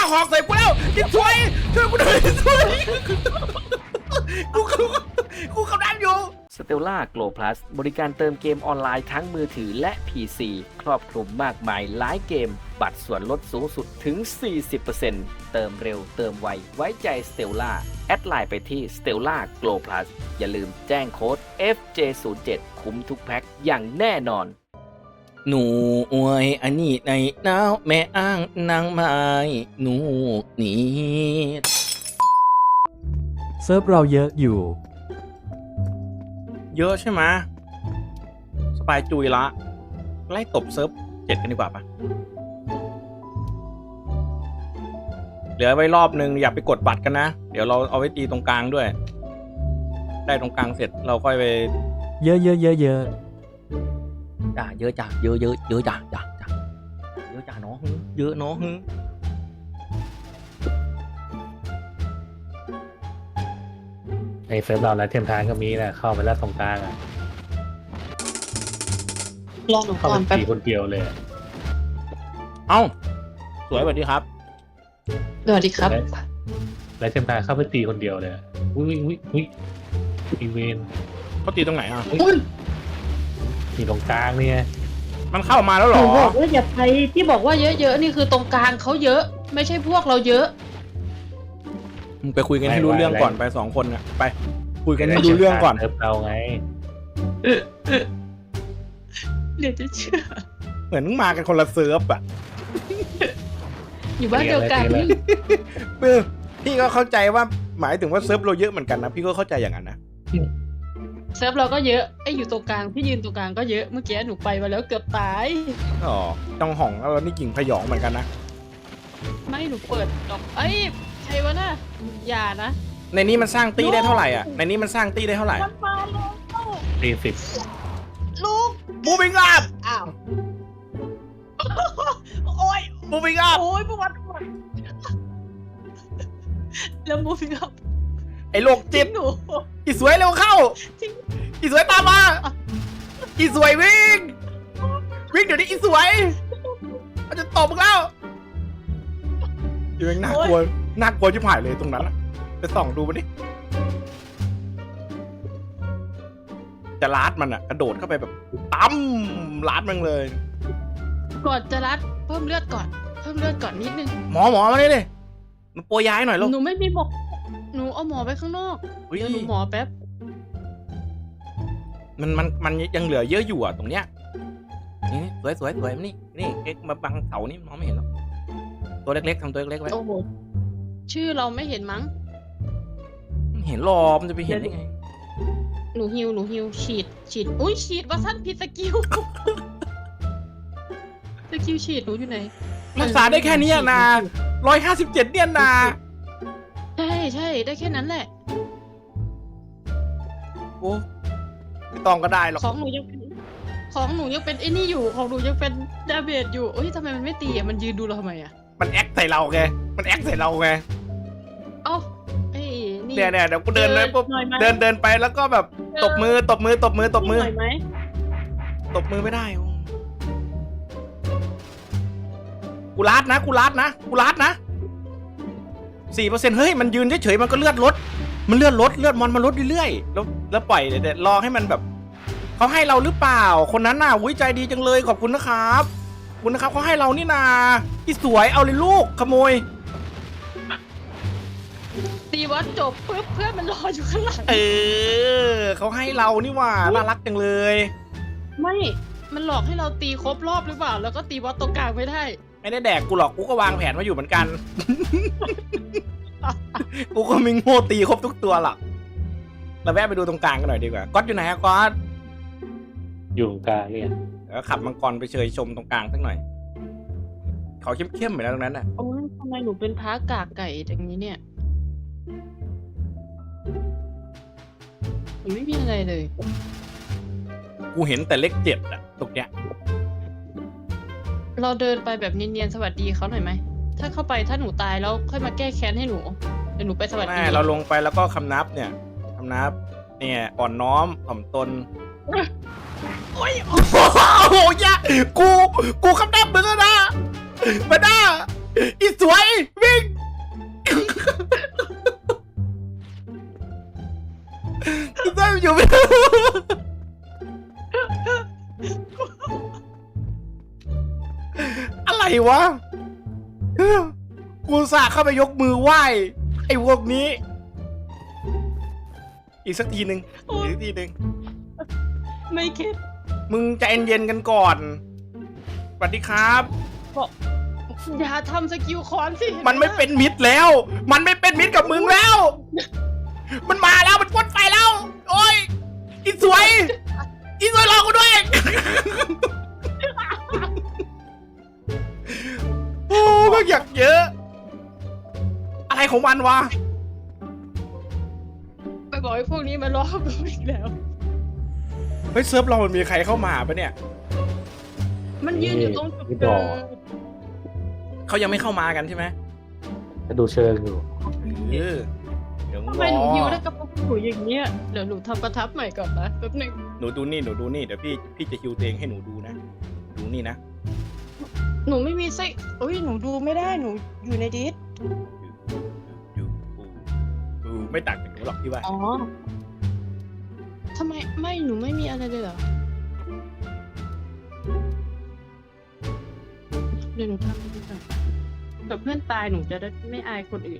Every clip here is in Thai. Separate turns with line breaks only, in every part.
หอกใส่กูแล้วอีสวยช่วยกูหน่อยอีสวยกูกำลังอยู่
Stellar Glow Plus บริการเติมเกมออนไลน์ทั้งมือถือและ PC ครอบคลุมมากมายหลายเกม บัตรส่วนลดสูงสุดถึง 40% เติมเร็วเติมไว ไว้ใจ Stellar แอดไลน์ไปที่ Stellar Glow Plus อย่าลืมแจ้งโค้ด FJ07 คุ้มทุกแพ็คอย่างแน่นอน
หนูอวยอันนี้ในหนาวแม่อ้างนางไม้หนูนี่
เซิร์ฟเราเยอะอยู่
เยอะใช่ไหมสปายจุยละไล่ตบเซิร์ฟ7กันดีกว่าปะเหลือไว้รอบนึงอย่าไปกดบัตรกันนะเดี๋ยวเราเอาไว้ตีตรงกลางด้วย ได้ตรงกลางเสร็จเราค่อยไป
เยอะเยอะเยอะเยอะ
จ้าเยอะจ้าเยอะเยอะเยอะจ้าจ้าจ้าเยอะจ้าน้องเยอะน้อง
ในเซิร์ฟเราและเทียมทานก็มีนะเข้าไปแล้วตรงกลางอ่ะ
รอหนู
เข้า
ก่
ไป
อนแป๊บ
ตีคนเดียวเลย
เอ้าสวยสวัสดีครับ
สวัสดีครับ
และเทียมทานเข้าไปตีคนเดียวเลยอุ้ยอุ้ยอุ้ยอีเวน
เขาตีตรงไหนอ่ะ
อุ้ย
มีตรงกลางเนี่ย
มันเข้ามาแล้วเห
ห
ร
นู
อ
บอกว่าอย่าไปที่บอกว่าเยอะๆนี่คือตรงกลางเขาเยอะ ไม่ใช่พวกเราเยอะ
มึงไปคุยกันให้รู้เรื่องก่อนไป2 คนน่ะไปคุยกันให้รู้เรื่องก่อน
เซิร์ฟเราไง
เดี๋ยวจะเชื่อ
เหมือนมึงมากันคนละเซิร์ฟอ่ะ
อยู่บ้านเดียวกัน
พี่ก็เข้าใจว่าหมายถึงว่าเซิร์ฟเราเยอะเหมือนกันนะพี่ก็เข้าใจอย่างนั้นนะ
เซิร์ฟเราก็เยอะไอ้อยู่ตรงกลางพี่ยืนตรงกลางก็เยอะเมื่อกี้หนูไปมาแล้วเกือบตาย
อ๋อจังห่องเรานี่กิ่งพยองเหมือนกันนะ
ไม่หนูเปิดดอกเอ้ยใครวะน่ะอย่านะ
ในนี้มันสร้างตี้ได้เท่าไหร่อ่ะในนี้มันสร้างตี้ได้เท่าไหร่
มันมาแล้ว
40
ลูก
บูบิงอัพ
อ้าวโอ้ย
บูบิงอัพ
โอ้ยปวดแล้วมูฟิกับ
ไอ้โรคจิต
หนู
อีสวยเร็วเข้า
จริง
อีสวยตามมาอีสวยวิ่งเดี๋ยวนี้อีสวยมันจะตบมึงแล้วอยู่ยังน่ากลัวชิบหายเลยตรงนั้นอะไปส่องดูมันดิจะลาดมันอะกระโดดเข้าไปแบบตั้มลาดมันเลย
ก่อนจะรัดเพิ่มเลือดก่อนนิดนึง
หมอมาเลยมันโปรยย้ายหน่อยลูก
หนูไม่มีหมอหนูเอาหมอไปข้างนอก
เฮ้ย
เดี๋ยวหนูหมอแป๊บ
มันยังเหลือเยอะอยู่อะตรงเนี้ยนี่สวยมันนี่เอ็กมาบังเสานี่มองไม่เห็นหรอกตัวเล็กๆทำตัวเล็กๆไว้
โอ้โหชื่อเราไม่เห็นมั้ง
เห็นหรอมันจะไปเห็นได้ไง
หนูฮิวฉีดอุ้ยฉีดว่าสั้นผิดสกิล สกิลฉีดหนูอยู่ไหน
รักษาได้แค่นี้อะนะ157เนี่ยนะ
ใช่ได้แค่นั้นแหละ
โอ้ไม่ต้องก็ได้หรอก
ของหนูยังเป็นไอ้นี่อยู่ของหนูยังเป็นดาเมจอยู่เอ้ยทำไมมันไม่ตีอ่ะมันยืนดูเราทำไมอ่ะ
มันแอคใส่เราไงมันแอคใส่เราไง
เอ้าไอ้นี่
เนี่ยเดี๋ยวกูเดินเลยปุ๊บ
หน่อยไหม
เดินไปแล้วก็แบบตบมือ
หน่อยไหม
ตบมือไม่ได้กูลาดนะ4%เฮ้ยมันยืนเฉยๆมันก็เลือดลดเลือดมอนมันลดเรื่อยๆแล้วปล่อยเดี๋ยวรอให้มันแบบเขาให้เราหรือเปล่าคนนั้นน่ะอุ้ยใจดีจังเลยขอบคุณนะครับเขาให้เรานี่นาที่สวยเอาเลยลูกขโมย
ตีวัดจบปุ๊บเพื่อนมันรออยู่ข้างหลัง
เขาให้เรานี่ว่าน่ารักจังเลย
ไม่ มันหลอกให้เราตีครบรอบหรือเปล่า แล้วก็ตีวัดตรงกลางไม่ได้
ไม่ได้แดกกูหรอกกูก็วางแผนมาอยู่เหมือนกัน กูก็มีโง่ตีครบทุกตัวหรอกเราแวะไปดูตรงกลางกันหน่อยดีกว่าก๊อตอยู่ไหนอะก๊อต
อยู่ตรงกลางเนี่ย
เดี๋ยวขับมังกรไปเชยชมตรงกลางสักหน่อยเขาเข้มๆเหมือนตรงนั้นน่ะ
โอ้ยทำไมหนูเป็นพ้ากากไก่อย่างนี้เนี่ยมันไม่มีอะไรเลย
กูเห็นแต่เลข7อะตรงเนี้ย
เราเดินไปแบบเนียนๆสวัสดีเขาหน่อยไหม ถ้าเข้าไปถ้าหนูตายแล้วค่อยมาแก้แค้นให้หนู เดี๋ยวหนูไปสวัสดี
แม่เราลงไปแล้วก็คำนับเนี่ยอ่อนน้อมถ่อมตนโอ้โหยะกูคำนับมึงแล้วนะมาด้าอีสวยวิ่งอยู่ อะไรวะกูอุตส่าห์เข้าไปยกมือไหว้ไอ้พวกนี้ อีกสักทีหนึ่งอีกสักทีหนึ่ง
ไม่คิด
มึงใจเย็นๆกันก่อนสวัสดีครับ
บอกอย่าทำสกิลคอนสิ
มันไม่เป็นมิตรแล้ว มันไม่เป็นมิตรกับมึงแล้ว มันมาแล้ว มันพ่นไฟแล้ว โอ้ยอีสวย อีสวยรอกูด้วย โอ้มันอยากเยอะ อะไรของมันวะ
ไปบอกให้พวกนี้มารอกูอีกแล้ว
เฮ้ยเซิร์ฟเรามันมีใครเข้ามาปะเนี่ย
มันยืนอยู่ตรงจุด
นี่
เดิ
ดอก
ม
เขายังไม่เข้ามากันใช่ไหม
จะดูเชิงอยู่
เออเดี๋ยว
ทำไมหนูฮิวได้กับพวกหนูอย่างเงี้ยเดี๋ยวหนูทำประทับใหม่ก่อนนะแป๊บหนึง
หนูดูนี่ หนูดูนี่ เดี๋ยวพี่จะฮิวตัวเองให้หนูดูนะ ดูนี่นะ
หนูไม่มีไส้เอ้ยหนูดูไม่ได้หนูอยู่ในดิส
ดูไม่ต่างจากหนูหรอกพี่ว่า
อ๋อทำไมไม่หนูไม่มีอะไรเลยเหรอเดี๋ยวหนูทำดูก่อนแบบเพื่อนตายหนูจะได้ไม่อายคนอื่น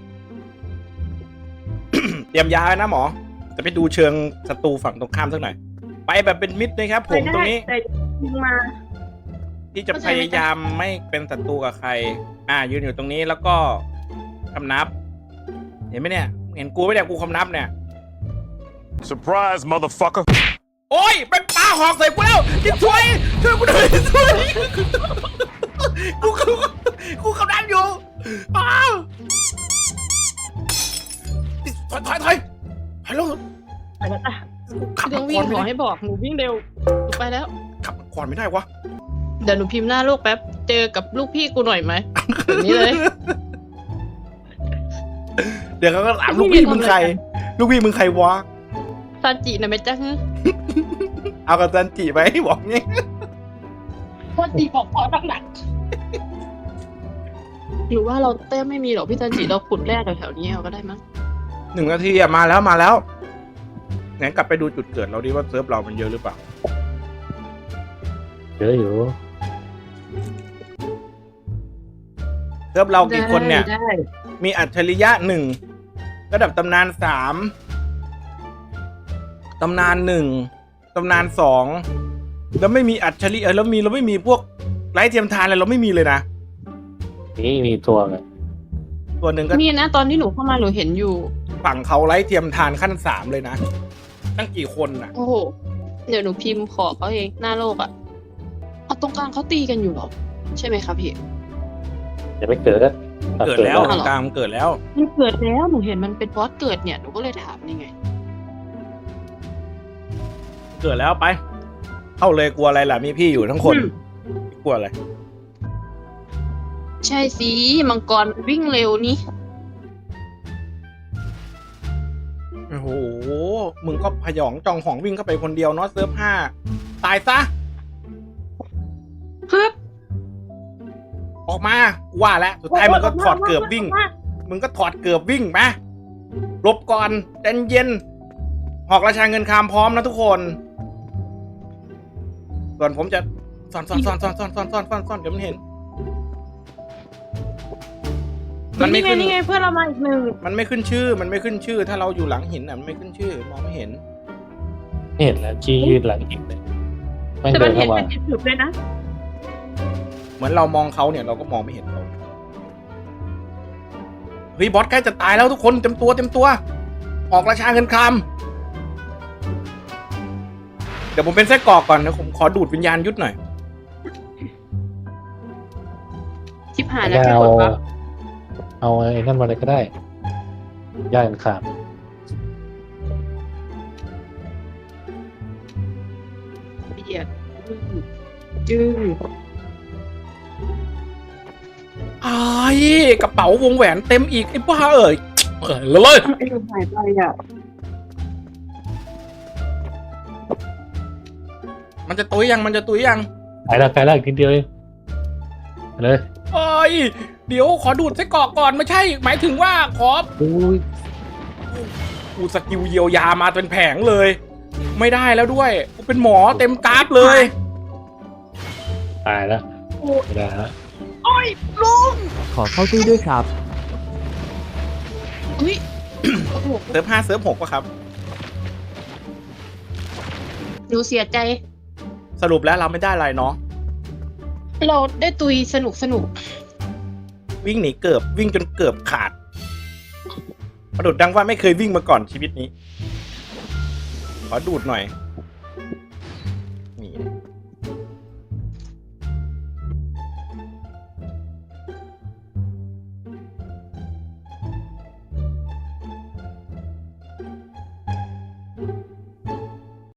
เตรียมยาไว้นะหมอ จะไปดูเชิงศัตรูฝั่งตรงข้ามสักหน่อย ไปแบบเป็นมิตรนะครับผมตรงนี้
แต่ยิงมา
ที่จะพยายามไม่เป็นศัตรูกับใคร ยืนอยู่ตรงนี้แล้วก็คำนับ เห็นไหมเนี่ย เห็นกูไหมเนี่ยกูคำนับเนี่ย
Surprise, motherfucker.
โอ้ยเป็นปลาหอกใส่กูแล้วยิ่งช่วยกูหน่อยช่วยกูคำนับอยู่อ้าวถอยลง
ไปแล้วอ่ะ
ขับ
เรื่องวิ่งขอให้บอกหนูวิ่งเร็วหนูไปแล้ว
ขับก่อนไม่ได้วะ
เดี๋ยวหนูพิมพ์หน้าลูกแป๊บเจอกับลูกพี่กูหน่อยไหมแบบนี้เลย
เดี๋ยวเขาก็ถามลูกพี่มึงใคร ลูกพี่มึงใครวะ
ซาจินะแม่จ๊ะ
เอากับจันจิไปบอกงี้
ซาจิบอกขอหนักๆหรือว่าเราแต้มไม่มีหรอกพี่ซาจิเราขุดแร่แถวๆนี้เอาก็ได้มั้ง
1 นาทีอะมาแล้วงั้นกลับไปดูจุดเกิดเราดิว่าเซิร์ฟเรามันเยอะหรือเปล่า
เยอะอยู่
เซิร์ฟเรากี่คนเนี่ย
ได้
มีอัจฉริยะ1 ระดับตำนาน3 ตำนาน 1 ตำนาน 2 แล้วไม่มีอัจฉริยะเราไม่มีพวกไร้เทียมทานอะไรเราไม่มีเลยนะ
นี่มีตัวไง
ตัวหนึ่งก็
นี่นะตอนที่หนูเข้ามาหนูเห็นอยู่
ฝั่งเขาไร้เทียมทานขั้น3เลยนะ ตั้งกี่คนน่ะ
โอ้โหเดี๋ยวหนูพิมพ์ขอเขาเองหน้าโลกอ่ะเอาตรงกลางเขาตีกันอยู่เหรอใช่ไหมครับพี่
ยังไม่เกิด
เกิดแล้ว
เอาเหรอ
กลางเกิดแล้ว
มันเกิดแล้วหนูเห็นมันเป็นบอสเกิดเนี่ยหนูก็เลยถามนี่ไง
เกิดแล้วไป เข้าเลยกลัวอะไรล่ะมีพี่อยู่ทั้งคน กลัวอะไร
ใช่สิมังกรมันวิ่งเร็วนี่
โอ้โห มึงก็พยองจองหองวิ่งเข้าไปคนเดียวเนาะเซิร์ฟ5 ตายซะ
ฮึบ
ออกมาว่าแล้วสุดท้ายมึงก็ถอดเกือบวิ่ง มึงก็ถอดเกือบวิ่งมาหลบก่อนใจเย็นหอกราชาเงินคามพร้อมนะทุกคน ส่วนผมจะซ่อนเดี๋ยวมันเห็น มันไม่ขึ้น
นี่ไงเพื่อนเรามาอีกหนึ่ง
มันไม่ขึ้นชื่อ ถ้าเราอยู่หลังหินอ่ะมันไม่ขึ้นชื่อ มองไม่เห็น
ไม่เห็นแล้วจี้ยืดหลังอีกเลยไม่ง
แต่
เดิ
มัน
น
เห็
เข้าน มา
เป็นจุดๆเลยนะ
เหมือนเรามองเขาเนี่ยเราก็มองไม่เห็นเขาเฮ้ยบอสใกล้จะตายแล้วทุกคนเต็มตัว ออกราชาเงินครามเดี๋ยวผมเป็นไส้กรอกก่อนนะผมขอดูดวิญญาณยุทธหน่อย
ชิบหายแล้วพี่
เอา
กดปั๊บ
เอาไอ้นั่นมาเลยก็ได้ย่ากันขาด
เบียดจื้อ
ไอ้กระเป๋าวงแหวนเต็มอีกไอ้บ้าเอ่ยเลย
ไอ้หนูหายไปอ่ะ
มันจะตุยยัง
ไปแล้วอีกนิดเดียวเองไปเลย
เอ้ยเดี๋ยวขอดูดไส้กรอกก่อนไม่ใช่ หมายถึงว่าขอ
อุ้ย
กูสกิลเยียวยามาเป็นแผงเลย ไม่ได้แล้วด้วยกูเป็นหมอเต็มกราฟเลย
ตายแล้วไม่ได้แล้ว
ขอเข้าตู้ด้วยครับ
อุ้ย โอ้โห
เซิร์ฟ5เซิร์ฟ6ป่ะครับ
หนูเสียใจ
สรุปแล้วเราไม่ได้อะไรเนาะ
เราได้ตุยสนุก
วิ่งหนีเกือบวิ่งจนเกือบขาดประดุดดังว่าไม่เคยวิ่งมาก่อนชีวิตนี้ ขอดูดหน่อย